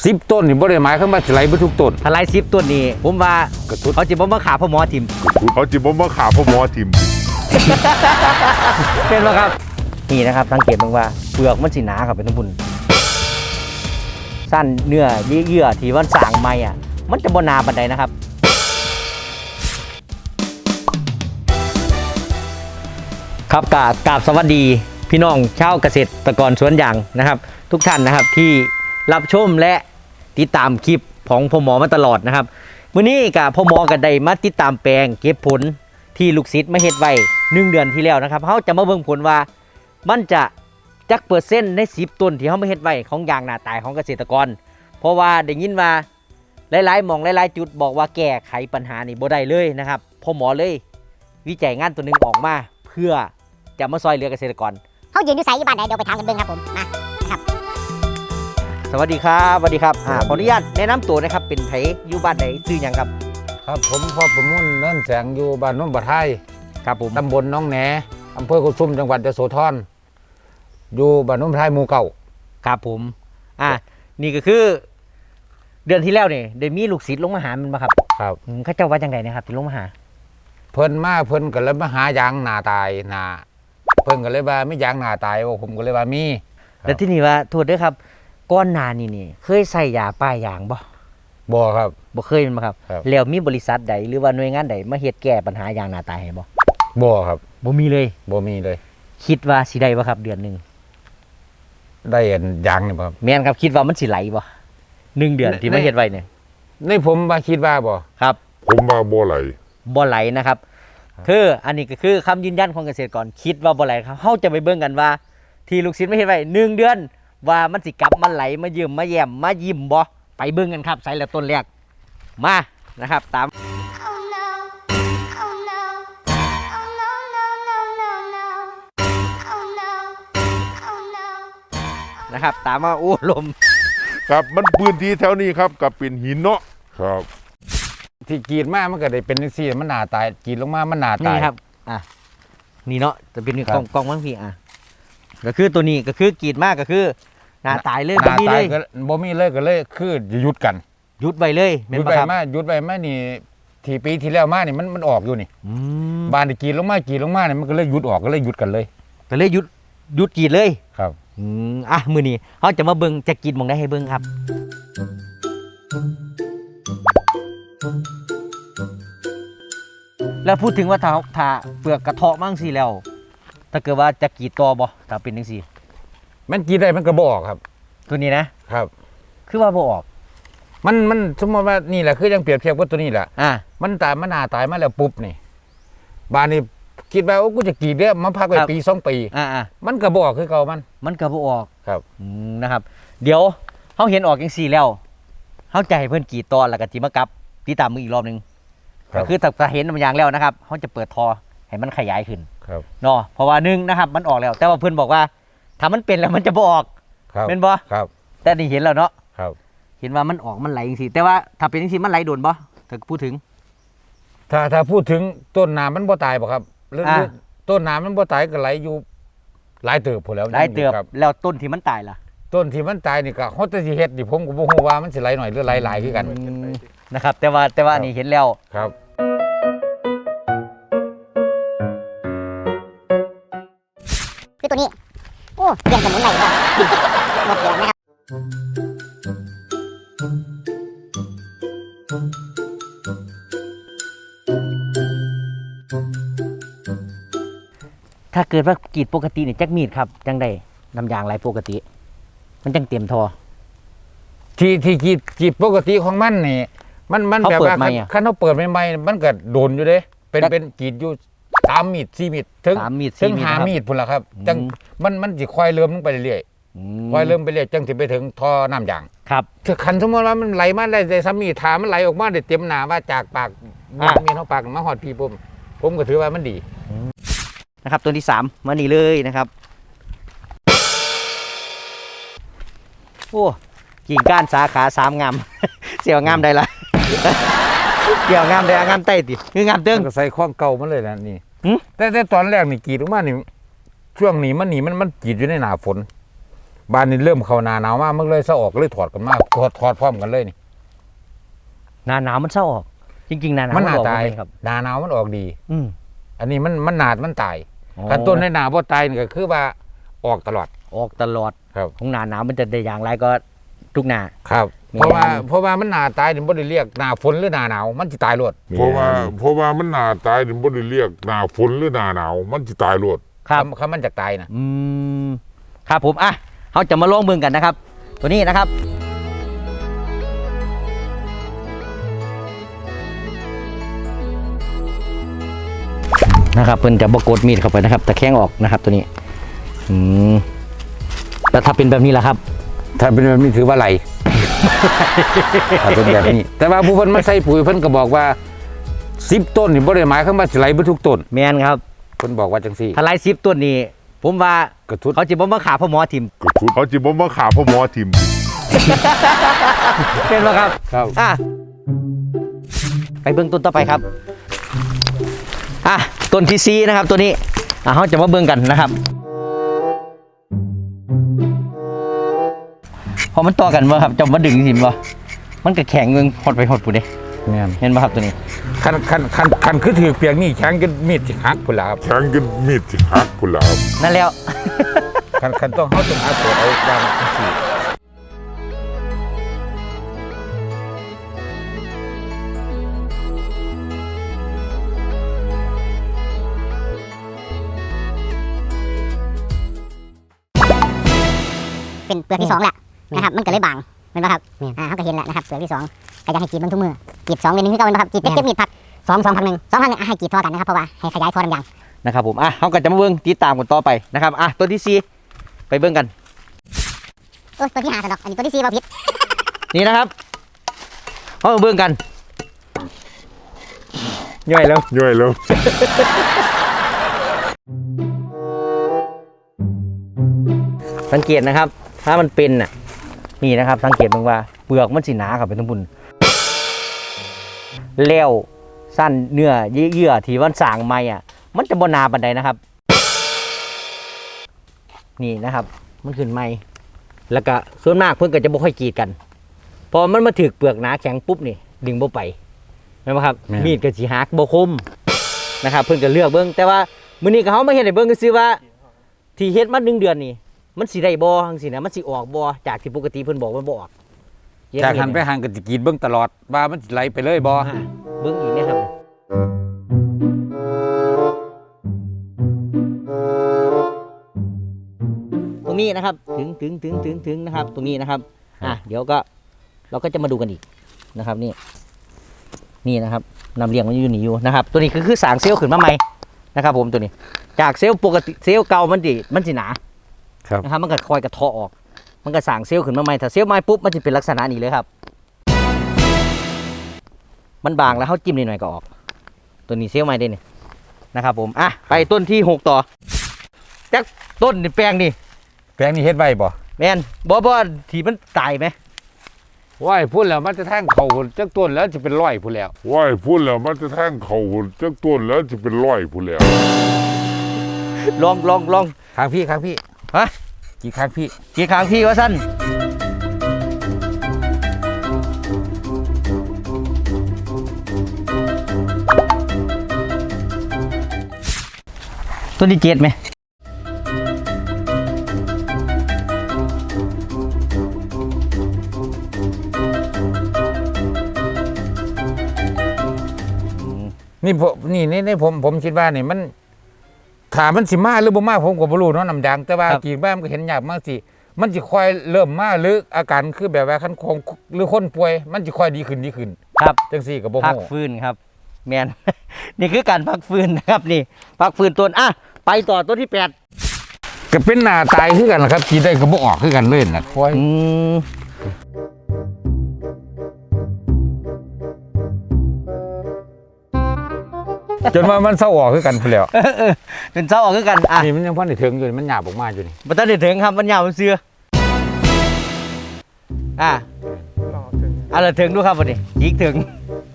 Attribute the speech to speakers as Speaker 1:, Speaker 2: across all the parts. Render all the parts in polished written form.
Speaker 1: 10 ต้นนี่บ่ได้หมายความว่าสิไหลบ่ทุกต้น
Speaker 2: ถ้าไล่10 ต้นนี่ผมว่าเขาจะบ่มาขาพ่อหมอทิม
Speaker 3: เขาจิบมาขาพ่อหมอทิม
Speaker 2: เป็นไหมครับนี่นะครับสังเกตบ้างว่าเปลือกมันสีหนาครับเป็นทั้งบุญสั้นเนื้อเยื่อที่มันสางไม้อะมันจะบนนาบันไดนะครับครับกราบสวัสดีพี่น้องชาวเกษตรกรสวนยางนะครับ ทุกท่านนะครับที่รับชมและติดตามคลิปของพ่อหมอมาตลอดนะครับมื้อนี้กับพ่อหมอก็ได้มาติดตามแปลงเก็บผลที่ลูกศิษย์มาเฮ็ดไว้1 เดือนที่แล้วนะครับเขาจะมาเบิ่งผลว่ามันจะจักเปอร์เซ็นต์ใน10 ต้นที่เขามาเฮ็ดไว้ของยางหน้าตายของเกษตรกรเพราะว่าได้ยินว่าหลายๆหม่องหลายๆจุดบอกว่าแก้ไขปัญหานี่บ่ได้เลยนะครับพ่อหมอเลยวิจัยงานตัวหนึ่งออกมาเพื่อจะมาซอยเหลือเกษตรกร
Speaker 4: เขายืนอยู่ไสอยู่บ้านไหนเดี๋ยวไปถามกันเบิ่งครับผมมาครับ
Speaker 2: สวัสดีครับสวัสดีครับขออนุญาตแนะนำตัวนะครับเป็นไผอยู่บ้านไหนชื่อหยังครับ
Speaker 1: ครับผมพ่อประมุ่นเนินแสงอยู่บ้านโน้นบ่อไทย
Speaker 2: ครับผม
Speaker 1: ตำบลหนองแหนอำเภอกุสุมจังหวัดยโสธรอยู่บ้านโน้นบ่อไทยหมู่เก่า
Speaker 2: ครับผมนี่ก็คือเดือนที่แล้วนี่ได้มีลูกศิษย์ลงมาหามันมาครับ
Speaker 1: ครับ
Speaker 2: เขาเจ้าว่าจังไดนะครับที่ลงมาหา
Speaker 1: เพิ่นก็เลยมาหายางหน้าตายหน้าเพิ่นก็เลยว่ามียางหน้าตายว่าผมก็เลยว่ามี
Speaker 2: แล้วที่นี่ว่าโทษด้วยครับก้อนหนานี่เคยใส่ยาป้ายยาง
Speaker 1: บ่ครับ
Speaker 2: บ่เคยมันบ่ครับแล้วมีบริษัทใดหรือว่าหน่วยงานใดมาเฮ็ดแก้ปัญหายางหน้าตายให้
Speaker 1: บ่ครับ
Speaker 2: บ่มีเลยคิดว่าสิได้บ่ครับเดือนนึง
Speaker 1: ได้ยางนี่บ่ครับ
Speaker 2: แม่นครับคิดว่ามันสิไหลบ่1 เดือนที่มาเฮ็ดไว้เนี่ย
Speaker 1: ในผมว่าคิดว่าบ่
Speaker 2: ครับ
Speaker 3: ผมว่าบ่ไหล
Speaker 2: นะครับคืออันนี้ก็คือคำยืนยันของเกษตรกรคิดว่าบ่ไหลครับเฮาจะไปเบิ่งกันว่าที่ลูกศิษย์มาเฮ็ดไว้1 เดือนว่ามันสิกลับมาไหลมายืมมาแย้มมายิ้มบ่ไปเบิ่งกันครับใส่แล้วต้นแรกมานะครับตามนะครับตามมาโอ้ลม
Speaker 3: ครับมันพื้นที่แถวนี้ครับกับเป็นหินเนาะครับ
Speaker 1: ที่กรีดมามันก็ได้เป็นจังซี่มันหน้าตายกรีดลงมามันหน้าตาย
Speaker 2: นี่ครับนี่เนาะจะเป็นกล้องมั้งพี่ก็คือตัวนี้ก็คือกรีดมากก็คือหน้าตายเลย
Speaker 1: บ่มีเลยก็เลยคือหยุดกัน
Speaker 2: หยุดไว้เลย
Speaker 1: หยุดไว้มานี่ที่ปีที่แล้วมานี่มันออกอยู่นี่บานที่กรีดลงมานี่มันก็เลยหยุดออกก็เลยหยุดกันเลย
Speaker 2: ก็เลยหยุดกรีดเลย
Speaker 1: ครับ
Speaker 2: มื้อนี้เฮาจะมาเบิ่งจะกรีดหม่องได้ให้เบิ่งครับแล้วพูดถึงว่าถ้าเปลือกกระเทาะมั่งสิแล้วถ้าเกิดว่าจะกรีดต่อบ่ถ้าเป็นจังซี่
Speaker 1: มันกรีดได้มันก็บ่ออกครับ
Speaker 2: ตัวนี้
Speaker 1: นะครับ
Speaker 2: คือว่าบ่ออก
Speaker 1: มันสมมติว่านี่แหละคือยังเปรียบเทียบกับตัวนี้แหละมันตายมันหน้าตายมาแล้วปุ๊บนี่บานนี้คิดว่ากูจะกรีดเนี่ยมันพักไว้ปี2 ปีมันก็บ่ออกคือเก่า
Speaker 2: มันก็บ่ออก
Speaker 1: ครับ
Speaker 2: นะครับเดี๋ยวเฮาเห็นออกจังซี่แล้วเฮาจะให้เพิ่นกรีดต่อแล้วก็สิมากลับติดตามมืออีกรอบนึงก็คือถ้าเห็นมันอย่างแล้วนะครับเฮาจะเปิดทอให้มันขยายขึ้นเนาะเพราะว่า1นะครับมันออกแล้วแต่ว่าเพิ่นบอกว่าถ้ามันเป็นแล้วมันจะบ่ออกเป็นบ่
Speaker 1: ครับ
Speaker 2: แต่นี่เห็นแล้วเนาะ
Speaker 1: ครับ
Speaker 2: เห็นว่ามันออกมันไหลจังซี่แต่ว่าถ้าเป็นจังซี่มันไหลโดนบ่ถ้าพูดถึง
Speaker 1: ถ้าพูดถึงต้นน้ำมันบ่ตายบ่ครับหรือต้นน้ำมันบ่ตายก็ไหลอยู่หลายเติบพุ่นแล้ว
Speaker 2: หลายเติบแล้วต้นที่มันตายล่ะ
Speaker 1: ต้นที่มันตายนี่ก็เฮาจะสิเฮ็ดนี่ผมก็บ่ฮู้ว่ามันสิไหลหน่อยหรือไหลหลายคือกัน
Speaker 2: นะครับแต่ว่านี่เห็นแล้ว
Speaker 1: ครับ
Speaker 4: คือตัวนี้โอ้เปลี่ยนสมุนไพรครับหมดเดือนนะครับ
Speaker 2: ถ้าเกิดว่ากรีดปกติเนี่ยจักมีดครับจังได้น้ำยางไหลปกติมันจังเต็มทอ
Speaker 1: ที่กรีดปกติของมันนี่มันแบบว่าคันเฮาเปิดใหม่ๆมันก็โดนอยู่เด้เป็นกรีดอยู่3 มีด 4 มีดถึง5 มีดพุ่นล่ะครับจังมันสิค่อยเริ่มลงไปเรื่อยๆค่อยเริ่มไปเรื่อยจังสิไปถึงท่อน้ำยาง
Speaker 2: ครับ
Speaker 1: คันสมมุติว่ามันไหลมาได้3 มีดถามันไหลออกมาได้เต็มหน้าว่าจากปากมีเฮาปากมาฮอดพี่ผมก็ถือว่ามันดี
Speaker 2: นะครับตัวที่3มานี่เลยนะครับโอ้กิ่งก้านสาขา3งามเสี่ยวงามได้ละเกี่ยวงามได้งามใต้ติคืองามเติ้ง
Speaker 1: ก็ใส่ข้องเก่ามันเลยนะนี่แต่ตอนแรกนี่กรีดออกมานี่ช่วงนี้มันกรีดอยู่ในหน้าฝนบ้านนี้เริ่มเข้าหน้าหนาวมากมันเลยเศร้าออกเลยถอดกันมากถอดพร้อมกันเลยนี่
Speaker 2: หน้าหนาวมันเศร้าออกจริงๆหน้าหนาว
Speaker 1: มันหนา
Speaker 2: ออก
Speaker 1: ตาย
Speaker 2: บ่แม่นครับ
Speaker 1: หน้าหนาวมันออกดี
Speaker 2: อืม
Speaker 1: อันนี้มันหนาดมันตาย
Speaker 2: อ๋อ
Speaker 1: ขั้นต้นในหนาบ่ตายนี่ก็คือว่าออกตลอด
Speaker 2: ออกตลอด
Speaker 1: ครับ
Speaker 2: ของหน้าหนาวมันจะได้อย่างไรก็ทุกหน้า
Speaker 1: ครับ
Speaker 2: มี
Speaker 1: เพราะว่ามันหนาตายนี่บ่ได้เรียกหนาฝนหรือหนาหนาวมันสิตายรวด
Speaker 3: เพราะว่ามันหนาตายถึงบ่ได้เรียกหนาฝนหรือหนาหนาวมันจะตายรวด
Speaker 2: ครับ
Speaker 1: คำมันจะตายนะ
Speaker 2: ครับผมอ่ะเขาจะมาลองเบิ่งกันนะครับ ตัวนี้นะครับนะครับเพิ่นจะบกดมีดเข้าไปนะครับแต่แข้งออกนะครับตัวนี้แล้วถ้าเป็นแบบนี้ล่ะครับ
Speaker 1: ถ้าเป็นแบบนี้ถือว่าไร ถ้าเป็นแบบนี้ แต่ว่าผู้เพิ่นมาใส่ปุ๋ยเพิ่นก็บอกว่า10ต้นนี่บ่ได้หมายความว่าสิไหลเบ่ทุกต้น
Speaker 2: แมนครับ
Speaker 1: เพิ่นบอกว่าจังซี่
Speaker 2: ถ้าไล่10ต้นนี้ผมว่าก
Speaker 1: ระทุด
Speaker 2: เขาจะบ่มาขาพ่อหมอทิม
Speaker 3: กระทุดเขาจิบ่มาขาพ่อหมอทิม
Speaker 2: เป็นไหมครับ
Speaker 1: ครับ
Speaker 2: อ่ะไปเบิ่งต้นต่อไปครับอ่ะต้นที่ซีนะครับตัวนี้เขาจะมาเบิ่งกันนะครับพอมันต่อกันบ่ครับจะมาดึงสิบ่มันก็แข็งเงิงหดไปหดปุ๊เด้
Speaker 1: แม่น
Speaker 2: เห็นบ่ครับตัวนี้
Speaker 1: คันคือถือเปียกนี่แข็งจนมีดสิหักพุ่นล่ะครับ
Speaker 3: แทงกันมีดสิหักพุ่นล่ะครับ
Speaker 2: นั่นแล้ว
Speaker 1: คันต้องเฮาต้องหาตัวเอาวางจังซี่
Speaker 4: เป็นเปลือกที่สองแหละนะครับมันก็เลยบางเป็นป่ะครับเขาก็เห็นแหละนะครับเปลือกที่สองก็จะให้กรีดมันทุกมือกรีด2 เดือนนึงที่เก่าเป็นป่ะครับกรีดเก็บมีดพัก2 พักหนึ่งให้กรีดทั่วกันนะครับเพราะว่าให้ขยายท่อน้ำยาง
Speaker 2: นะครับผมเขาก็จะมาเบิ่งติดตามกันต่อไปนะครับตัวที่ซีไปเบิ่งกัน
Speaker 4: ตัวที่5สะดอกอันนี้ตัวที่4บ่ผิด
Speaker 2: นี่นะครับเขามาเบิ่งกันย่อยแล้ว
Speaker 3: ย่อยแล้ว
Speaker 2: สังเกตนะครับ ถ้ามันเป็นน่ะนี่นะครับ สังเกตเบิ่งว่าเปลือกมันสีหนาครับเป็นทั้งบุญแล้วสั้นเนื้อเยื่อที่มันสร้างใหม่มันจะบ่หนาปานใดนะครับ นี่นะครับ มันขึ้นใหม่แล้วก็ส่วนมากเพิ่นก็จะบ่ค่อยกรีดกัน พอมันมาถึกเปลือกหนาแข็งปุ๊บนี่ดึงบ่ไปแม่นบ่ครับ มีดก็สิหักบ่คมนะครับ เพิ่นก็เลือกเบิ่งแต่ว่ามื้อนี้ก็เฮามาเฮ็ดให้เบิ่งซื่อๆว่า ที่เฮ็ดมา1 เดือนนี่มันสิได้บ่จังซี่นะมันสิออกบ่จากที่ปกติเพิ่นบอกมันบ่ออก
Speaker 1: จากหันไปหันก็สิกรีดเบิ่งตลอดว่ามันสิไหลไปเลยบ่
Speaker 2: เบิ่งอีกนะครับตรงนี้นะครับถึงนะครับ ตรงนี้นะครับเดี๋ยวก็เราก็จะมาดูกันอีกนะครับนี่นะครับนำเรียงมันอยู่นี่อยู่นะครับตัวนี้คือสร้างเซลล์ขึ้นมาใหม่นะครับผมตัวนี้จากเซลล์ปกติเซลล์เก่ามันสิหนานะครับมันก็คอยกระเทาะออกมันก็สร้างเซลล์ขึ้นมาใหม่ถ้าเซลล์ใหม่ปุ๊บมันจะเป็นลักษณะนี้เลยครับมันบางแล้วเขาจิ้มนิดหน่อยก็ออกตัวนี้เซลล์ใหม่ได้นี่นะครับผมไปต้นที่6ต่อจากต้นนี่แปลงนี่
Speaker 1: แปลงนี้เฮ็ดไว้บ่
Speaker 2: แม่นบ่ที่มันตายไหม
Speaker 1: ว้ายพูดแล้วมันจะแทงเขาจักต้นแล้วจะเป็นร้อยพูดแล้ว
Speaker 3: ว่ายพูดแล้วมันจะแทงเขาจักต้นแล้วจะเป็นร้อยพุ่นแล้ว
Speaker 2: ลอง
Speaker 1: ข้างพี่
Speaker 2: ฮะ
Speaker 1: กี่ข้างพี่
Speaker 2: กี่ครั้งพี่ว่าสั้นต้นที่7ไหม
Speaker 1: นี่ผมคิดว่านี่มันถามมันสิมาหรือบ่มาผมก็บ่รู้เนาะน้ำยางแต่ว่ากี่บ้านมันก็เห็นยากมากสิมันสิค่อยเริ่มมาหรืออาการคือแบบว่าคันของหรือคนป่วยมันสิค่อยดีขึ้น
Speaker 2: ครับ
Speaker 1: จังซี่ก็บ่
Speaker 2: พัก
Speaker 1: ฮู้
Speaker 2: ฟื้นครับแมน นี่คือการพักฟื้นนะครับนี่พักฟื้นต้นไปต่อต้นที่8
Speaker 1: ก็เป็นหน้าตายคือกันล่ะครับกินได้ก็บ่ออกคือกันเลยน่ะค่อยจนว่ามันเศร้าออกคือกันพุ่นแล้ว
Speaker 2: เป็นเศร้าออกคือกัน
Speaker 1: นี่มันยังพอได้ถึงอยู่มันหยาบออกมาอยู่นี่
Speaker 2: มันต้องได้ถึงครับมันยาวมันเสืออะไรถึงดูครับวันนี้ยิกถึง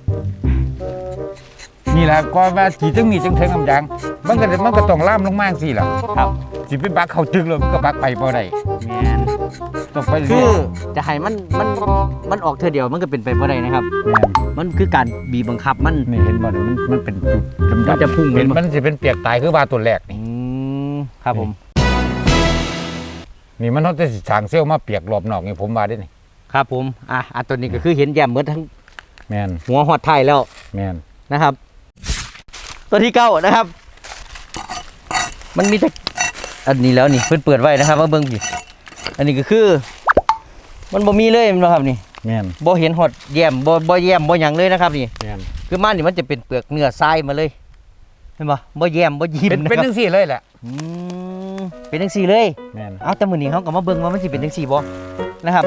Speaker 1: นี่แหละก็ว่ากี่จังมีจังถึงน้ำยางมันก็ต้องล่ามลงมาจังซี่ล่ะ
Speaker 2: ครับ
Speaker 1: สิไปบักเข้าจึกเลยมันก็บักไปบ่ได้
Speaker 2: แมน
Speaker 1: ต้องไป
Speaker 2: คื
Speaker 1: เรื่
Speaker 2: อ
Speaker 1: อย
Speaker 2: จะให้มันออกเธอเดียวมันก็เป็นไปบ่ได้นะครับ
Speaker 1: แม่น
Speaker 2: มันคือการบีบบังคับมัน
Speaker 1: นี่เห็นบ่เนี่ยมันเป็นจุดดำๆ
Speaker 2: มันจะพุ่ง
Speaker 1: เป็น
Speaker 2: เห็นบ่
Speaker 1: มันจะเป็นเปียกตายคือว่าตัวแรกนี่
Speaker 2: ครับผม
Speaker 1: นี่มันเขาจะสางเซลล์มาเปียกรอบนอกนี่ผมว่าได้นี่
Speaker 2: ครับผมอันตัวนี้ก็คือเห็นแย้มเหมือนทั้ง
Speaker 1: แมน
Speaker 2: หัวหอดไทยแล้ว
Speaker 1: แมน
Speaker 2: นะครับ ตัวที่เก้านะครับ มันมีแต่อันนี้แล้วนี่เพิ่นเปิดไว้นะครับว่าเบิ่งดิอันนี้ก็คือ มันบ่มีเลยแม่นบ่ครับนี่
Speaker 1: แมน
Speaker 2: บ่เห็นหอดแย้มบ่แย้มบ่หยังเลยนะครับนี่
Speaker 1: แมน
Speaker 2: คือมันนี่มันจะเป็นเปลือกเนื้อทรายมาเลยเห็นบ่บ่แย้มบ่ยิ้ม
Speaker 1: เป็น
Speaker 2: นะครับ
Speaker 1: จังซี่เลยแหละ
Speaker 2: อืมเป็นจังซี่เลย
Speaker 1: แมน
Speaker 2: เอาแต่มื้อนี้เฮาก็มาเบิ่งว่ามันสิเป็นจังซี่บ่นะครับ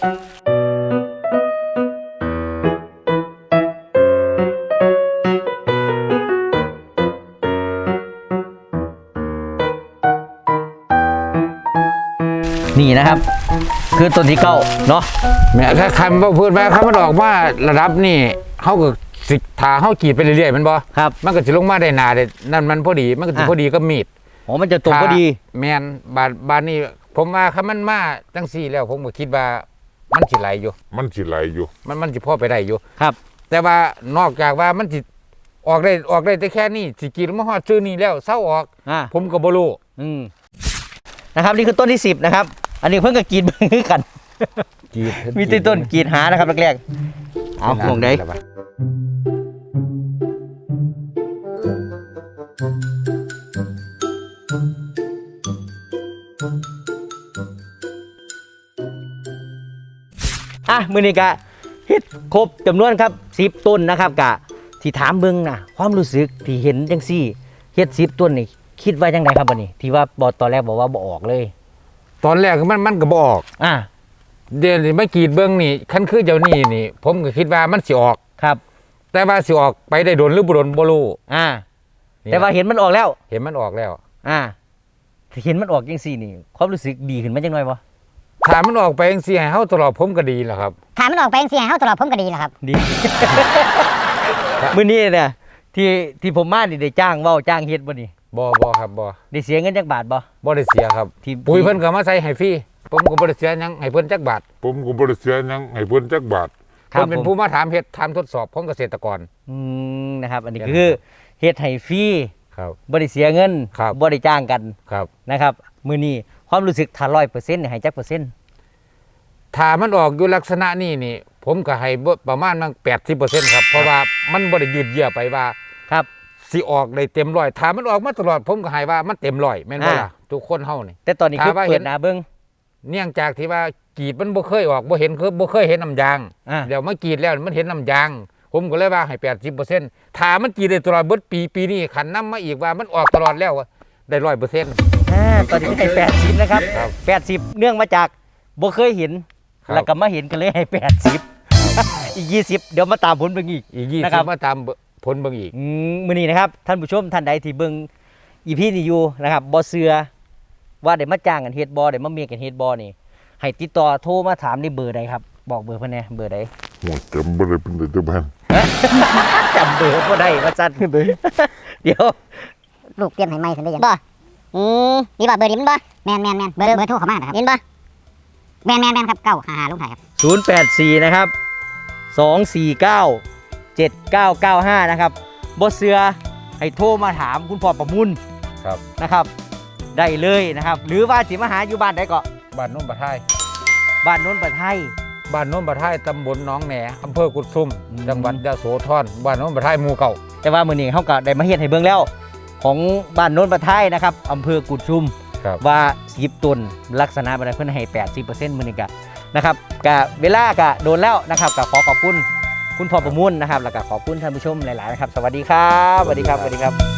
Speaker 2: นี่นะครับ คือต้นที่เก้าเนาะ
Speaker 1: แม่ถ้าคำว่าพูดไปคำมันออกมาระดับนี่เขาก็สิถาเขากรีดไปเรื่อยๆมันบ่
Speaker 2: ครับ
Speaker 1: มันก็จะลงมาได้หนาได้นั่นมันพอดีมันก็จะพอดีก็มีด
Speaker 2: อ๋อมันจะตรงพอดี
Speaker 1: แมนบานนี่ผมว่าคำมันมาจังซี่แล้วผมก็คิดว่ามันสิไหลอยู่
Speaker 3: มันสิไหลอยู่
Speaker 1: มันสิพ่อไปได้อยู่
Speaker 2: ครับ
Speaker 1: แต่ว่านอกจากว่ามันสิออกได้แต่แค่นี้สิกรีดมาฮอดซื้อนี่แล้วเศร้าออก ผมก็บ่รู้
Speaker 2: นะครับนี่คือต้นที่10นะครับ อันนี้เพิ่งก็กรีดเบิ่งคือกัน
Speaker 1: กรีด
Speaker 2: มีต้นต้นกรีดหานะครับแรกๆเอาห่วงได้มื้อนี้ก็เฮ็ดครบจำนวนครับ10ต้นนะครับกะที่ถามเบิ่งนะความรู้สึกที่เห็นจังซี่เฮ็ด10ต้นนี่คิดว่าจังไดครับบัดนี้ที่ว่าบ่ตอนแรกบอกว่าบ่ออกเลย
Speaker 1: ตอนแรกมันก็บ่ออกเดี๋ยวนี้มากรีดเบิ่งนี่คันคือเจ้านี่ ผมก็คิดว่ามันสิออก
Speaker 2: ครับ
Speaker 1: แต่ว่าสิออกไปได้โดนหรือบ่โดนบ่รู้
Speaker 2: แต่ว่าเห็นมันออกแล้ว
Speaker 1: เห็นมันออกแล้ว
Speaker 2: ถ้าเห็นมันออกจังซี่นี่ความรู้สึกดีขึ้นมาจังหน่อยบ่
Speaker 1: ถ้ามันออกไปจังซี่ให้เฮาตลอดผมก็ดีแหละครับ
Speaker 4: ถ้ามันออกไปจังซี่ให้เฮาตลอดผมก็ดีแหละครับ
Speaker 2: ดี มื้อนี้เนี่ยที่ผมมานี่ได้จ้างเว้าจ้างเฮ็ดบ่นี่
Speaker 1: บ่ครับบ่
Speaker 2: ได้เสียเงินจักบาทบ่
Speaker 1: บ่ได้เสียครับ
Speaker 2: ที่
Speaker 1: ปุ๋ยเพิ่นก็มาใส่ให้ฟรีผมก็บ่ได้เสียหยังให้เพิ่นจักบาท
Speaker 3: ผมก็บ่ได้เสียหยังให้เพิ่นจักบาท
Speaker 2: ครั
Speaker 1: เพิ่
Speaker 2: บ
Speaker 1: นเป็น
Speaker 2: ผม
Speaker 1: ผู้มาถามเฮ็ดถามทดสอบของเกษตรกร
Speaker 2: นะครับ อันนี้คือเฮ็ดให้ฟรี
Speaker 1: ครับ
Speaker 2: บ่ได้เสียเงิน
Speaker 1: ครับ
Speaker 2: บ่ได้จ้างกัน
Speaker 1: ครับ
Speaker 2: นะครับมื้อนี้ความรู้สึกถ้า 100% นี่ให้จักเปอร์เซ็นต์
Speaker 1: ถ้ามันออกอยู่ลักษณะนี้นี่ ผมก็ให้ประมาณมัน80%ครับ เพราะว่ามันบ่ได้ยืดเยื้อไปว่า
Speaker 2: ครับ
Speaker 1: สิออกได้เต็มร้อยถ้ามันออกมาตลอดผมก็ให้ว่ามันเต็มร้อยแม่นบ่ล่ะทุกคนเฮานี่
Speaker 2: แต่ตอนนี้คือ
Speaker 1: ถ้าว่า
Speaker 2: เปิ
Speaker 1: เห็
Speaker 2: ด
Speaker 1: น
Speaker 2: หน้าเบิ่ง
Speaker 1: เนื่องจากที่ว่ากรีดมันบ่เคยออกบ่เห็นคือบ่เคยเห็นน้ำยาง เดี๋ยวมากรีดแล้วมันเห็นน้ำยาง ผมก็เลยว่าให้80%ถ้ามันกรีดได้ตลอดเบิดปีนี้ขันนำมาอีกว่ามันออกตลอดแล้วได้ 100%
Speaker 2: ตอนนี้ให้80นะครับ
Speaker 1: ครับ
Speaker 2: 80 เนื่องมาจากบ่เคยเห็น
Speaker 1: ครับ
Speaker 2: แล้วก็มาเห็นกันเลยให้80อีก20เดี๋ยวมาตามผลเบิ่งอีก
Speaker 1: อีก
Speaker 2: นะครับ
Speaker 1: 20มาตามผลเบิ่งอีก
Speaker 2: มื้อนี้นะครับท่านผู้ชมท่านใดที่เบิ่งอีพีนี้อยู่นะครับบ่เชื่อว่าได้มาจ้างกันเฮ็ดบ่ได้มาเมียกันเฮ็ดบ่นี่ให้ติดต่อโทรมาถามในเบอร์ใดครับบอกเบอร์เพิ่นแหน่เบอร์ใด
Speaker 3: โหจำบ่ได้เป็นแต่บ้าน
Speaker 2: จำเบอร์บ่ได้ว่าซั่นเดี๋ยว
Speaker 4: ลูกเตรียมให้ใหม่ซั่นได้ยังบ่นี่บ่เบอร์นี้มันบ่แม่นเบอร์โทรเข้ามานะครับเห็นบ่แม่นครับ955ลงท้ายครับ
Speaker 2: 084นะครับ249 7995นะครับบ่เชื่อให้โทรมาถามคุณพ่อประมุน
Speaker 1: ครับ
Speaker 2: นะครับ ได้เลยนะครับ หรือว่าสิมาหาอยู่บ้านใดก็
Speaker 1: บ้านโน้นปะไทย
Speaker 2: บ้านโน้นประไทย
Speaker 1: บ้านโน้นปะไทยตำบลหนองแหนอำเภอกุดซุม
Speaker 2: อืม
Speaker 1: จังหวัดยะโสธรบ้านโน้นปะไทยหมู่เก่า
Speaker 2: แต่ว่ามื้อนี้เฮาก็ได้มาเฮ็ดให้เบิ่งแล้ว ของบ้านโน้นประไทยนะครับอำเภอกุดชุม
Speaker 1: ครับ
Speaker 2: ว่า10ต้นลักษณะบ่ได้เพิ่นให้ 80%มื้อนี้ก็นะครับก็เวลาก็โดนแล้วนะครับก็ขอขอบคุณคุณพ่อประมุนนะครับแล้วก็ขอบคุณท่านผู้ชมหลายๆนะครับสวัสดีครับสวัสดีครับ